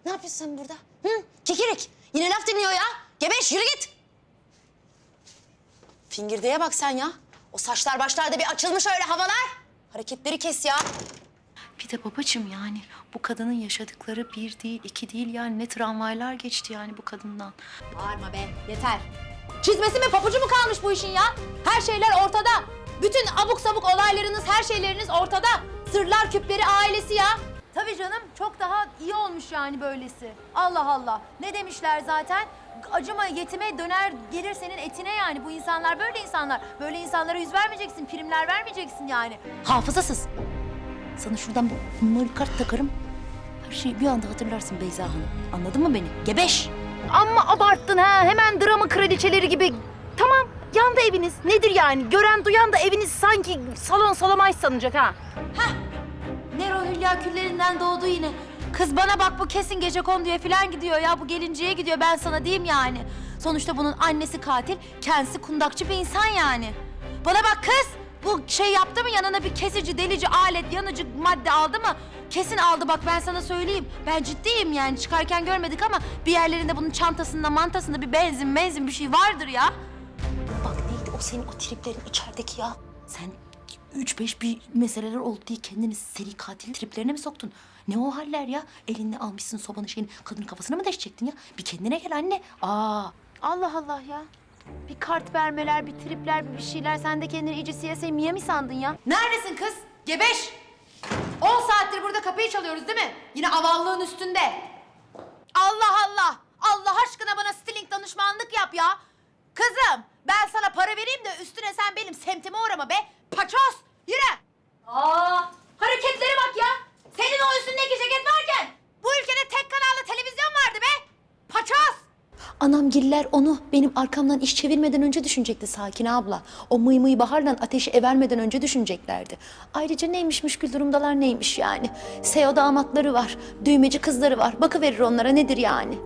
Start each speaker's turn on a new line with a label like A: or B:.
A: Ne yapıyorsun sen burada? Hı? Kekirik. Yine laf dinliyor ya. Gebeş yürü git. Fingirdeğe bak sen ya. O saçlar başlarda bir açılmış öyle havalar. Hareketleri kes ya.
B: Bir de babacığım yani bu kadının yaşadıkları bir değil, iki değil yani ne travmalar geçti yani bu kadından.
A: Bağırma be yeter. Çizmesi mi papucu mu kalmış bu işin ya? Her şeyler ortada. Bütün abuk sabuk olaylarınız, her şeyleriniz ortada. Sırlar küpleri ailesi ya.
C: Tabii canım, çok daha iyi olmuş yani böylesi. Allah Allah. Ne demişler zaten? Acıma yetime döner gelir senin etine yani. Bu insanlar böyle insanlar. Böyle insanlara yüz vermeyeceksin, primler vermeyeceksin yani.
B: Hafızasız. Sana şuradan bir memory kart takarım. Her şeyi bir anda hatırlarsın Beyza Hanım. Anladın mı beni? Gebeş.
C: Amma abarttın ha. Hemen drama kraliçeleri gibi. Tamam, yandı eviniz. Nedir yani? Gören duyan da eviniz sanki salon salamay sanacak ha. Nero Hülya küllerinden doğdu yine. Kız bana bak bu kesin gecekonduya falan gidiyor ya. Bu gelinceye gidiyor ben sana diyeyim yani. Sonuçta bunun annesi katil, kendisi kundakçı bir insan yani. Bana bak kız, bu şey yaptı mı yanına bir kesici, delici alet, yanıcı madde aldı mı? Kesin aldı bak ben sana söyleyeyim. Ben ciddiyim yani çıkarken görmedik ama bir yerlerinde bunun çantasında mantasında bir benzin bir şey vardır ya.
B: Bak neydi o senin o triplerin içerideki ya. Sen 3-5 bir meseleler oldu diye kendini seri katil triplerine mi soktun? Ne o haller ya? Elinle almışsın sobanın şeyini kadının kafasına mı deşecektin ya? Bir kendine gel anne.
C: Allah Allah ya. Bir kart vermeler, bir tripler, bir şeyler. Sen de kendini iyice CSI Miami sandın ya. Neredesin kız? Gebeş! 10 saattir burada kapıyı çalıyoruz değil mi? Yine avallığın üstünde. Allah Allah! Allah aşkına bana stiling danışmanlık yap ya. Kızım ben sana para vereyim de üstüne sen benim semtime uğrama be. Paçoz! Yürü! Hareketlere bak ya! Senin o üstündeki ceket varken bu ülkede tek kanallı televizyon vardı be. Paçoz!
B: Anamgiller onu benim arkamdan iş çevirmeden önce düşünecekti Sakine abla. O mıy mıy baharla ateşi evermeden önce düşüneceklerdi. Ayrıca neymiş müşkül durumdalar neymiş yani. Seo damatları var, düğmeci kızları var. Bakıverir onlara nedir yani.